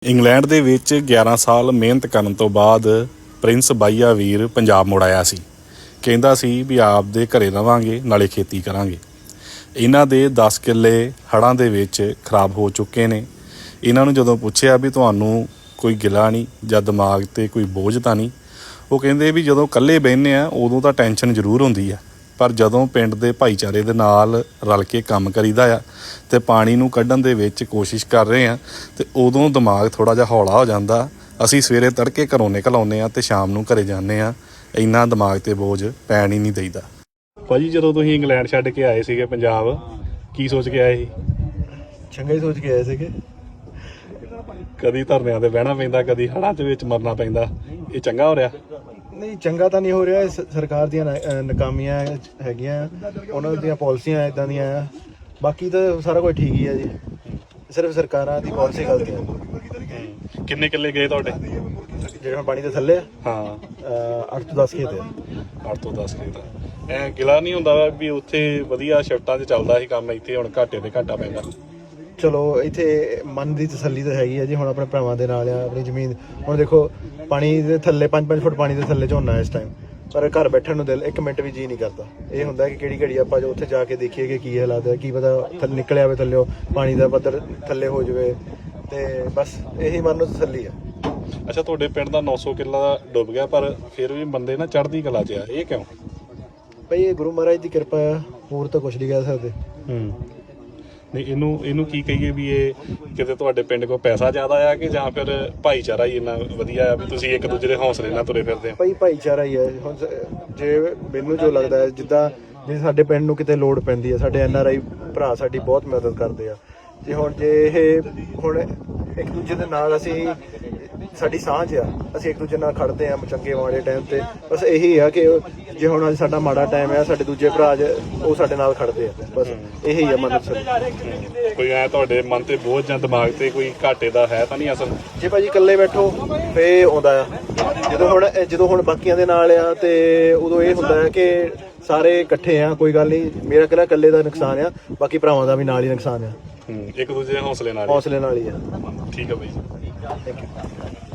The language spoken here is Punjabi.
ਇੰਗਲੈਂਡ ਦੇ ਵਿੱਚ 11 ਸਾਲ ਮਿਹਨਤ ਕਰਨ ਤੋਂ ਬਾਅਦ ਪ੍ਰਿੰਸ ਬਾਈਆ ਵੀਰ ਪੰਜਾਬ ਮੁੜ ਆਇਆ ਸੀ। ਕਹਿੰਦਾ ਸੀ ਵੀ ਆਪਦੇ ਘਰੇ ਰਵਾਂਗੇ ਨਾਲੇ ਖੇਤੀ ਕਰਾਂਗੇ। ਇਹਨਾਂ ਦੇ 10 ਕਿੱਲੇ ਹੜ੍ਹਾਂ ਦੇ ਵਿੱਚ ਖਰਾਬ ਹੋ ਚੁੱਕੇ ਨੇ। ਇਹਨਾਂ ਨੂੰ ਜਦੋਂ ਪੁੱਛਿਆ ਵੀ ਤੁਹਾਨੂੰ ਕੋਈ ਗਿਲਾ ਨਹੀਂ ਜਾਂ ਦਿਮਾਗ 'ਤੇ ਕੋਈ ਬੋਝ ਤਾਂ ਨਹੀਂ, ਉਹ ਕਹਿੰਦੇ ਵੀ ਜਦੋਂ ਇਕੱਲੇ ਬਹਿੰਦੇ ਆ ਉਦੋਂ ਤਾਂ ਟੈਨਸ਼ਨ ਜ਼ਰੂਰ ਹੁੰਦੀ ਆ, ਪਰ ਜਦੋਂ ਪਿੰਡ ਦੇ ਭਾਈਚਾਰੇ ਦੇ ਨਾਲ ਰਲ ਕੇ ਕੰਮ ਕਰੀਦਾ ਆ ਅਤੇ ਪਾਣੀ ਨੂੰ ਕੱਢਣ ਦੇ ਵਿੱਚ ਕੋਸ਼ਿਸ਼ ਕਰ ਰਹੇ ਹਾਂ ਅਤੇ ਉਦੋਂ ਦਿਮਾਗ ਥੋੜ੍ਹਾ ਜਿਹਾ ਹੌਲਾ ਹੋ ਜਾਂਦਾ। ਅਸੀਂ ਸਵੇਰੇ ਤੜਕੇ ਘਰੋਂ ਨਿਕਲ ਆਉਂਦੇ ਹਾਂ ਅਤੇ ਸ਼ਾਮ ਨੂੰ ਘਰੇ ਜਾਂਦੇ ਹਾਂ। ਇੰਨਾ ਦਿਮਾਗ 'ਤੇ ਬੋਝ ਪੈਣ ਹੀ ਨਹੀਂ ਦਈਦਾ। ਭਾਜੀ ਜਦੋਂ ਤੁਸੀਂ ਇੰਗਲੈਂਡ ਛੱਡ ਕੇ ਆਏ ਸੀਗੇ ਪੰਜਾਬ, ਕੀ ਸੋਚ ਕੇ ਆਏ ਸੀ? ਚੰਗਾ ਹੀ ਸੋਚ ਕੇ ਆਏ ਸੀਗੇ। ਕਦੀ ਧਰਨਿਆਂ 'ਤੇ ਬਹਿਣਾ ਪੈਂਦਾ, ਕਦੀ ਹੜ੍ਹਾਂ ਦੇ ਵਿੱਚ ਮਰਨਾ ਪੈਂਦਾ। ਇਹ ਚੰਗਾ ਹੋ ਰਿਹਾ? ਨਹੀਂ, ਚੰਗਾ ਤਾਂ ਨਹੀਂ ਹੋ ਰਿਹਾ। ਸਰਕਾਰ ਦੀਆਂ ਨਾਕਾਮੀਆਂ ਹੈਗੀਆਂ, ਉਹਨਾਂ ਦੀਆਂ ਪਾਲਿਸੀਆਂ ਇੱਦਾਂ ਦੀਆਂ ਆ। ਬਾਕੀ ਤਾਂ ਸਾਰਾ ਕੁਝ ਠੀਕ ਹੀ ਆ ਜੀ, ਸਿਰਫ ਸਰਕਾਰਾਂ ਦੀ ਪਾਲਿਸੀ ਗਲਤੀ ਹੈ। ਕਿੰਨੇ ਕਿੱਲੇ ਗਏ ਤੁਹਾਡੇ ਜਿਹੜੇ ਹੁਣ ਪਾਣੀ ਦੇ ਥੱਲੇ ਆ? ਹਾਂ, 8 ਤੋਂ 10 ਖੇਤ ਆ। 8 ਤੋਂ 10 ਖੇਤ। ਐਂ ਗਿਲਾ ਨਹੀਂ ਹੁੰਦਾ ਵੀ ਉੱਥੇ ਵਧੀਆ ਸ਼ਿਫਟਾਂ 'ਚ ਚੱਲਦਾ ਸੀ ਕੰਮ, ਇੱਥੇ ਹੁਣ ਘਾਟੇ ਤੇ ਘਾਟਾ ਪੈਂਦਾ? ਚਲੋ ਇੱਥੇ ਮਨ ਦੀ ਤਸੱਲੀ ਤਾਂ ਹੈਗੀ ਆ ਜੀ। ਹੁਣ ਆਪਣੇ ਭਰਾਵਾਂ ਦੇ ਨਾਲ ਆ, ਆਪਣੀ ਜ਼ਮੀਨ। ਹੁਣ ਦੇਖੋ ਪਾਣੀ ਦੇ ਥੱਲੇ 5-5 ਫੁੱਟ ਪਾਣੀ ਦੇ ਥੱਲੇ ਝੋਨਾ ਇਸ ਟਾਈਮ, ਪਰ ਘਰ ਬੈਠਣ ਨੂੰ ਦਿਲ 1 ਮਿੰਟ ਵੀ ਜੀਅ ਨਹੀਂ ਕਰਦਾ। ਇਹ ਹੁੰਦਾ ਕਿ ਕਿਹੜੀ ਘੜੀ ਆਪਾਂ ਜੋ ਉੱਥੇ ਜਾ ਕੇ ਦੇਖੀਏ ਕਿ ਕੀ ਹਾਲਾਤ ਹੈ, ਕੀ ਪਤਾ ਥੱਲੇ ਨਿਕਲਿਆ ਹੋਵੇ, ਥੱਲੇ ਪਾਣੀ ਦਾ ਪੱਧਰ ਥੱਲੇ ਹੋ ਜਾਵੇ, ਤੇ ਬਸ ਇਹੀ ਮਨ ਨੂੰ ਤਸੱਲੀ ਆ। ਅੱਛਾ, ਤੁਹਾਡੇ ਪਿੰਡ ਦਾ 900 ਕਿੱਲਾ ਡੁੱਬ ਗਿਆ, ਪਰ ਫਿਰ ਵੀ ਬੰਦੇ ਨਾ ਚੜ੍ਹਦੀ ਕਲਾ 'ਚ ਆ, ਇਹ ਕਿਉਂ? ਭਾਈ ਇਹ ਗੁਰੂ ਮਹਾਰਾਜ ਦੀ ਕਿਰਪਾ ਆ, ਹੋਰ ਤਾਂ ਕੁਛ ਨਹੀਂ ਕਹਿ ਸਕਦੇ। ਨਹੀਂ, ਇਹਨੂੰ ਕੀ ਕਹੀਏ ਵੀ ਇਹ ਕਿਤੇ ਤੁਹਾਡੇ ਪਿੰਡ ਕੋਲ ਪੈਸਾ ਜ਼ਿਆਦਾ ਆ ਕਿ ਜਾਂ ਫਿਰ ਭਾਈਚਾਰਾ ਹੀ ਇੰਨਾ ਵਧੀਆ ਆ ਵੀ ਤੁਸੀਂ ਇੱਕ ਦੂਜੇ ਦੇ ਹੌਸਲੇ ਨਾਲ ਤੁਰੇ ਫਿਰਦੇ ਆ? ਭਾਈ ਭਾਈਚਾਰਾ ਹੀ ਹੈ। ਹੁਣ ਜੇ ਮੈਨੂੰ ਜੋ ਲੱਗਦਾ ਹੈ, ਜਿੱਦਾਂ ਜੇ ਸਾਡੇ ਪਿੰਡ ਨੂੰ ਕਿਤੇ ਲੋੜ ਪੈਂਦੀ ਹੈ, ਸਾਡੇ NRI ਭਰਾ ਸਾਡੀ ਬਹੁਤ ਮਦਦ ਕਰਦੇ ਆ। ਜੇ ਇਹ ਹੁਣ ਇੱਕ ਦੂਜੇ ਦੇ ਨਾਲ ਅਸੀਂ, ਸਾਡੀ ਸਾਂਝ ਆ, ਅਸੀਂ ਇੱਕ ਦੂਜੇ ਨਾਲ ਖੜਦੇ ਆ ਚੰਗੇ ਮਾੜੇ ਟਾਈਮ ਤੇ। ਬਸ ਇਹੀ ਆ ਕਿ ਜੇ ਹੁਣ ਅੱਜ ਸਾਡਾ ਮਾੜਾ ਟਾਈਮ ਆ, ਸਾਡੇ ਦੂਜੇ ਭਰਾ ਉਹ ਸਾਡੇ ਨਾਲ ਖੜਦੇ ਆ। ਬਸ ਇਹੀ ਆ ਮਨ ਚ। ਕੋਈ ਐ ਤੁਹਾਡੇ ਮਨ ਤੇ ਬੋਝ ਜਾਂ ਦਿਮਾਗ ਤੇ ਕੋਈ ਘਾਟੇ ਦਾ ਹੈ ਤਾਂ ਨਹੀਂ ਅਸਲ? ਜੇ ਭਾਜੀ ਇਕੱਲੇ ਬੈਠੋ ਫੇ ਆਉਂਦਾ ਆ। ਜਦੋਂ ਹੁਣ ਬਾਕੀਆਂ ਦੇ ਨਾਲ ਆ ਤੇ ਉਦੋਂ ਇਹ ਹੁੰਦਾ ਹੈ ਕਿ ਸਾਰੇ ਇਕੱਠੇ ਆ, ਕੋਈ ਗੱਲ ਨਹੀਂ। ਮੇਰਾ ਕਿਹੜਾ ਇਕੱਲੇ ਦਾ ਨੁਕਸਾਨ ਆ, ਬਾਕੀ ਭਰਾਵਾਂ ਦਾ ਵੀ ਨਾਲ ਹੀ ਨੁਕਸਾਨ ਆ। ਇੱਕ ਦੂਜੇ ਦੇ ਹੌਸਲੇ ਨਾਲ ਹੀ ਆ। ਠੀਕ ਆ ਬਾਈ। Thank you.